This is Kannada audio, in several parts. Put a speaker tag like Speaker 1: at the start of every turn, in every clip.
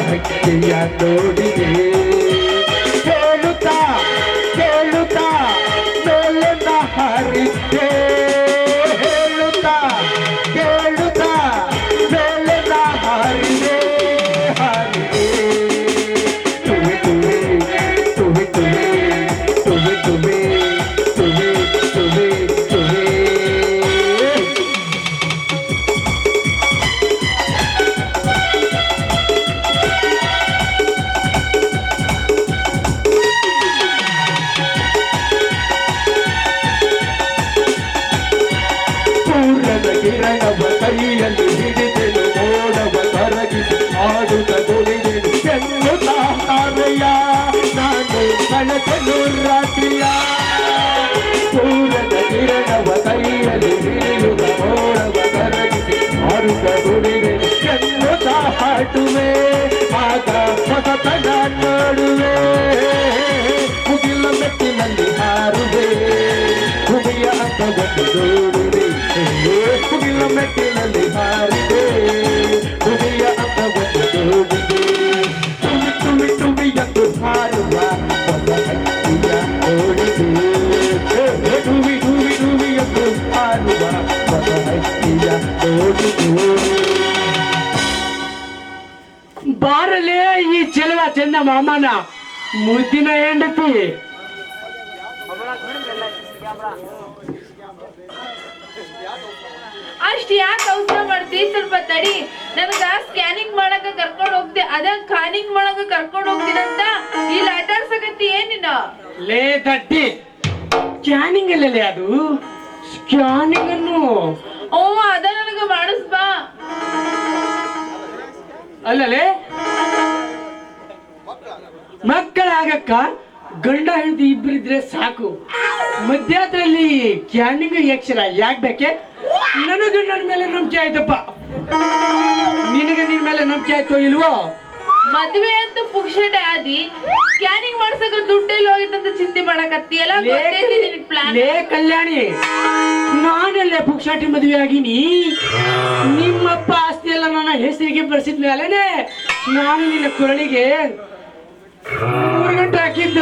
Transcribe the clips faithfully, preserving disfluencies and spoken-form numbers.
Speaker 1: ಹಕ್ಕಿಯ ನೋಡಿದೆ ಕೇಳುತ್ತಾ ಕೇಳುತ್ತಾ ಮೇಲಿಂದ ಹಾರಿದ್ದೆ ಹೇಳುತ್ತಾ ಕೇಳುತ್ತಾ ಮೇಲಿಂದ ಹಾರಿದೆ ಹಾರಿದೆ ತುವೆ ತುವೆ ತುವೆ ತುವೆ ತುವೆ ತುವೆ ತುವೆ ತುವೆ ತುವೆ ಕಿರಣವ ಕೈಯಲ್ಲಿ ಹಿಡಿದೆನು ಮೋಡವ ಕರಗಿಸಿ ಆಡುತ್ತ ಕುಣಿದೆನು ಎನ್ನುತ್ತಾ ತಾರೆಯ ನಾನು ಕಳೆದೆನು ರಾತ್ರಿಯ ಸೂರ್ಯನ ಕಿರಣವ ಕೈಯಲ್ಲಿ ಹಿಡಿಯುತ್ತ ಮೋಡವ ಕರಗಿಸಿ ಆಡುತ್ತ ಕುಣಿದೆನು ಎನ್ನುತ್ತಾ ಹಾಡುವೆ ಆಗ ಹೊಸತನ ನೋಡುವೆ ಮುಗಿಲ ಮೆಟ್ಟಿನಲ್ಲಿ ಹಾರುವೆ ಭೂಮಿಯ ಅಂತವನ್ನು ನೋಡುವೆ ಮುಗಿಲ ಮೆಟ್ಟಿನಲ್ಲಿ ಹಾರಿದೆ ಭೂಮಿಯ ಅಂತವನ್ನು ನೋಡಿದೆ ತುಮಿ ತುಮಿ ತುಮಿ ಎಂದು ಹಾರುವ ಹೊಸ ಹಕ್ಕಿಯ ನೋಡಿದೆ ಟುವಿ ಟುವಿ ಟುವಿ ಎಂದು ಹಾರುವ ಹೊಸ ಹಕ್ಕಿಯ ನೋಡಿದೆ ಬಾರಲೇ ಈ ಚೆಲುವ ಚಂದ ಮಾಮನ ಮುದ್ದಿನ ಹೆಂಡತಿ
Speaker 2: ಅಷ್ಟ್ ಯಾಕೆ ಅವಸರ ಮಾಡ್ತಿ ಸ್ವಲ್ಪ ತಡಿ ನನಗ ಸ್ಕ್ಯಾನಿಂಗ್ ಮಾಡಕ ಕರ್ಕೊಂಡ್ ಹೋಗ್ದೆ ಅದ ಖಾನಿಂಗ್ ಮಾಡಕ ಕರ್ಕೊಂಡ್ ಹೋಗ್ತೀನಂತ ಇಲ್ಲಿ ಆಟಾಡ್ಸಕತ್ತಿ ಏನಿನ
Speaker 1: ಲೇ ದಡ್ಡಿ ಸ್ಕ್ಯಾನಿಂಗ್ ಅಲ್ಲಲೇ ಅದು ಸ್ಕ್ಯಾನಿಂಗ್ ಅನ್ನು
Speaker 2: ಓ ಅದ ನನಗ ಮಾಡಿಸ್ ಬಾ
Speaker 1: ಅಲ್ಲಲೇ ಮಕ್ಕಳಾಗಕ್ಕ ಗಂಡ ಹೆಂಡತಿ ಇಬ್ಬರಿದ್ರೆ ಸಾಕು ಮಧ್ಯದಲ್ಲಿ ಕ್ಯಾನಿಂಗ್ ಯಕ್ಷರ ಯಾಕೆ ಬೇಕೆ ನನಗೆ ನನ್ನ ಮೇಲೆ ನಂಬಿಕೆ ಆಯ್ತಪ್ಪ ನಿನಗೆ ನಿನ್ ಮೇಲೆ ನಂಬಿಕೆ ಆಯ್ತೋ ಇಲ್ವೋ
Speaker 2: ಮದ್ವೆ ಅಂತ ಪುಕ್ಷಟೆ ಆದಿ ಸ್ಕ್ಯಾನಿಂಗ್ ಮಾಡ್ಸಕ ದುಡ್ಡೆಲ್ಲ ಹೋಗಿತ್ತಂತ ಚಿಂತೆ ಮಾಡಕತ್ತೀಯಲ್ಲ ಗೊತ್ತೈತಿ ನಿನಗೆ ಪ್ಲಾನ್
Speaker 1: ಲೇ ಕಲ್ಯಾಣಿ ನಾನೆಲ್ಲ ಪುಕ್ಷಾಟಿ ಮದುವೆ ಆಗಿನಿ ನಿಮ್ಮಪ್ಪ ಆಸ್ತಿ ಎಲ್ಲ ನನ್ನ ಹೆಸರಿಗೆ ಬರ್ಸಿದ ಮೇಲೆನೆ ನಾನು ನಿನ್ನ ಕೊರಳಿಗೆ ಮೂರು ಗಂಟೆ ಹಾಕಿದ್ದ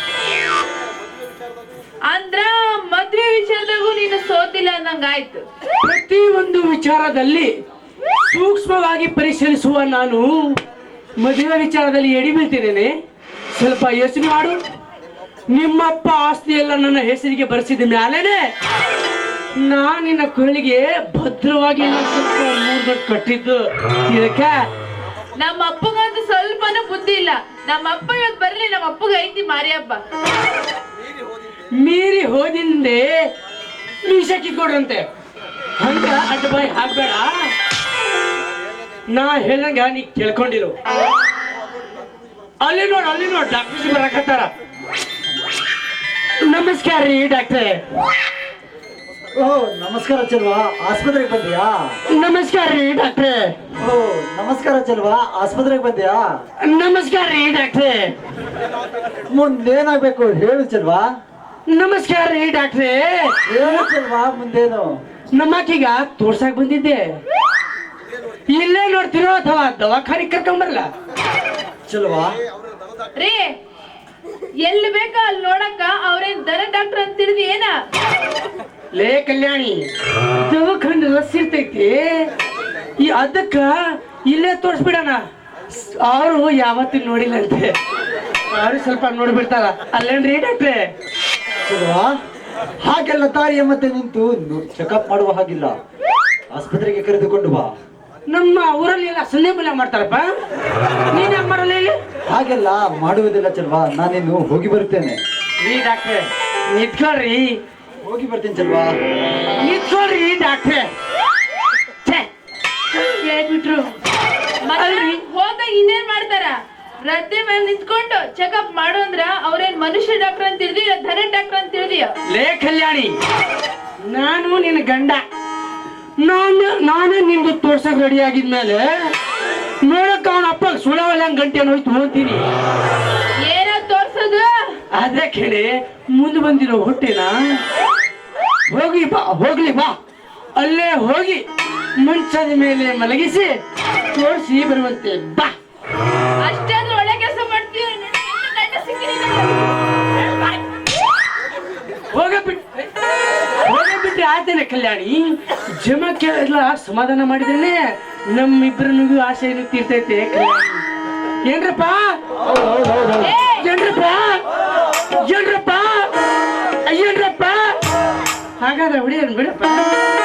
Speaker 2: ಅಂದ್ರ ಮದ್ವೆ ವಿಚಾರದಾಗೂ ನೀನು ಸೋತಿಲ್ಲ ಅಂದಂಗ ಆಯ್ತು
Speaker 1: ಪ್ರತಿ ಒಂದು ವಿಚಾರದಲ್ಲಿ ಸೂಕ್ಷ್ಮವಾಗಿ ಪರಿಶೀಲಿಸುವ ನಾನು ಮದುವೆ ವಿಚಾರದಲ್ಲಿ ಎಡಿ ಬೀಳ್ತಿದ್ದೇನೆ ಸ್ವಲ್ಪ ಯೋಚನೆ ಮಾಡು ನಿಮ್ಮಪ್ಪ ಆಸ್ತಿ ಎಲ್ಲ ನನ್ನ ಹೆಸರಿಗೆ ಬರೆಸಿದ ಮ್ಯಾಲೇನೆ ನಾನು ನಿನ್ನ ಕೊರಳಿಗೆ ಭದ್ರವಾಗಿ ಸ್ವಲ್ಪ ಮೂರು ಗಂಟೆ ಕಟ್ಟಿದ್ದು ಇದಕ್ಕೆ
Speaker 2: ನಮ್ಮ ಅಪ್ಪಗಂತೂ ಸ್ವಲ್ಪನೂ ಬುದ್ಧಿ ಇಲ್ಲ ನಮ್ಮ ಅಪ್ಪ ಇವತ್ತು ಬರ್ಲಿ ನಮ್ಮ ಅಪ್ಪಗ ಐತಿ ಮಾರಿ ಹಬ್ಬ
Speaker 1: ಮೀರಿ ಹೋದಿಂದೆ ಮೀಸ ಕಿತ್ಕೊಡ್ರಂತೆ ಹಂಗ ಅಡ್ಡ ಬಾಯಿ ಹಾಕ್ಬೇಡ ನಾ ಹೇಳಂಗ ನೀ ಕೇಳ್ಕೊಂಡಿರು ಅಲ್ಲಿ ನೋಡ್ ಅಲ್ಲಿ ನೋಡ್ ಡಾಕ್ಟರ್ ಬರಕತ್ತಾರ ನಮಸ್ಕಾರ ರೀ ಡಾಕ್ಟ್ರೆ
Speaker 3: ಓ ನಮಸ್ಕಾರ ಚೆಲ್ವಾ ಆಸ್ಪತ್ರೆಗೆ ಬಂದಿಯಾ
Speaker 1: ನಮಸ್ಕಾರ ರೀ ಡಾಕ್ಟ್ರೆ
Speaker 3: ಓ ನಮಸ್ಕಾರ ಚೆಲ್ವಾ ಆಸ್ಪತ್ರೆಗೆ ಬಂದಿಯಾ
Speaker 1: ನಮಸ್ಕಾರ ರೀ ಡಾಕ್ಟ್ರೆ
Speaker 3: ಮುಂದೇನಾಗ್ಬೇಕು ಹೇಳು ಚೆಲ್ವಾ
Speaker 1: ನಮಸ್ಕಾರ ರೀ ಡಾಕ್ಟ್ರೆ
Speaker 3: ಹೇಳು ಚೆಲ್ವಾ ಮುಂದೇನು
Speaker 1: ನಮ್ಮಕ್ಕೀಗ ತೋರ್ಸಾಕ್ ಬಂದಿದ್ದೆ ಇಲ್ಲೇ ನೋಡ್ತಿರೋ ಅಥವಾ ದವಾಖಾನೆ ಕರ್ಕೊಂಬರಲ್ಲ
Speaker 3: ಚೆಲ್ವಾ
Speaker 2: ರೀ ಎಲ್ಲಿ ಬೇಕ ಅಲ್ಲಿ ನೋಡಕ್ಕ ಅವ್ರೇನ್ ದನ ಡಾಕ್ಟರ್ ಅಂತ ತಿಳಿದಿ ಏನ
Speaker 1: ಲೇ ಕಲ್ಯಾಣಿ ದವಾಖಾನೆ ರಸ್ ಇರ್ತೈತಿ ಈ ಅದಕ್ಕ ಇಲ್ಲೇ ತೋರ್ಸ್ಬಿಡಣ ಅವರು ಯಾವತ್ತೂ ನೋಡಿಲ್ಲಂತೆ ಅವ್ರು ಸ್ವಲ್ಪ ನೋಡ್ಬಿಡ್ತಾರ ಅಲ್ಲೇನ್ರಿ ಡಾಕ್ಟ್ರೆ
Speaker 3: ಚೆಲ್ವಾ ಹಾಗೆಲ್ಲ ತಾಯಿಯ ಮತ್ತೆ ನಿಂತು ಚೆಕಪ್ ಮಾಡುವ ಹಾಗಿಲ್ಲ ಆಸ್ಪತ್ರೆಗೆ ಕರೆದುಕೊಂಡು ಬಾ
Speaker 1: ನಮ್ಮ ಊರಲ್ಲಿ ಎಲ್ಲ ಸಂಧೆ ಮೂಲ ಮಾಡ್ತಾರಪ್ಪ ನೀನ್ ಯಾಕೆ ಮಾಡಲ್ಲ ಇಲ್ಲಿ
Speaker 3: ಹಾಗೆಲ್ಲ ಮಾಡುವುದಿಲ್ಲ ಚೆಲ್ವಾ ನಾನಿನ್ನು ಹೋಗಿ ಬರುತ್ತೇನೆ
Speaker 1: ರೀ ಡಾಕ್ಟ್ರೆ ನಿಂತ್ಕೊಳ್ರಿ
Speaker 3: ಹೋಗಿ ಬರ್ತೀನಿ ಚೆಲ್ವಾ
Speaker 1: ನಿಂತ್ಕೊಳ್ರಿ ಡಾಕ್ಟ್ರೆ ಹೇಳ್ಬಿಟ್ರು
Speaker 2: ಅಲ್ರಿ ಹೋದಾಗ ಇನ್ನೇನ್ ಮಾಡ್ತಾರ ರದ್ದೆ ಮೇಲೆ ನಿಂತ್ಕೊಂಡು ಚೆಕಪ್ ಮಾಡು ಅಂದ್ರ ಅವ್ರೇನ್ ಮನುಷ್ಯ ಡಾಕ್ಟರ್ ಅಂತ ತಿಳಿದಿಯ ಧನ ಡಾಕ್ಟರ್ ಅಂತ ತಿಳಿದಿಯ
Speaker 1: ಲೇ ಕಲ್ಯಾಣಿ ನಾನು ನಿನ್ನ ಗಂಡ ನಾನು ನಾನೇ ನಿಮ್ದು ತೋರ್ಸಕ್ ರೆಡಿ ಆಗಿದ್ಮೇಲೆ ನೋಡಕ್ ಅವನ ಅಪ್ಪ ಸುಳವಲ್ಲ ಗಂಟೆ ಹೋಯ್ತು ಹೋಗ್ತೀನಿ
Speaker 2: ಏನ ತೋರ್ಸೋದು
Speaker 1: ಅದೇ ಕೇಳಿ ಮುಂದೆ ಬಂದಿರೋ ಹೊಟ್ಟೆನ ಹೋಗಿ ಬಾ ಹೋಗ್ಲಿ ಬಾ ಅಲ್ಲೇ ಹೋಗಿ ಮಂಚದ ಮೇಲೆ ಮಲಗಿಸಿ ತೋರಿಸಿ ಬರುವಂತೆ ಬಾ
Speaker 2: ಅಷ್ಟಾದ್ರೂ ಒಳ್ಳೆ ಕೆಲಸ ಮಾಡ್ತೀಯ
Speaker 1: ಹೋಗಬಿಟ್ಟು ಹೋಗಬಿಟ್ಟು ಆತೇನೆ ಕಲ್ಯಾಣಿ ಜಮಕ್ಕೆ ಎಲ್ಲ ಸಮಾಧಾನ ಮಾಡಿದ್ದೇನೆ ನಮ್ಮಿಬ್ಬರನಿಗೂ ಆಸೆಯನ್ನು ತೀರ್ತೈತೆ ಕಲ್ಯಾಣಿ ಏನ್ರಪ್ಪ ಏನ್ರಪ್ಪ ಏನ್ರಪ್ಪ ಏನ್ರಪ್ಪ ಹಾಗಾದ್ರೆ ಹುಡಿಯನ್ ಬಿಡಪ್ಪ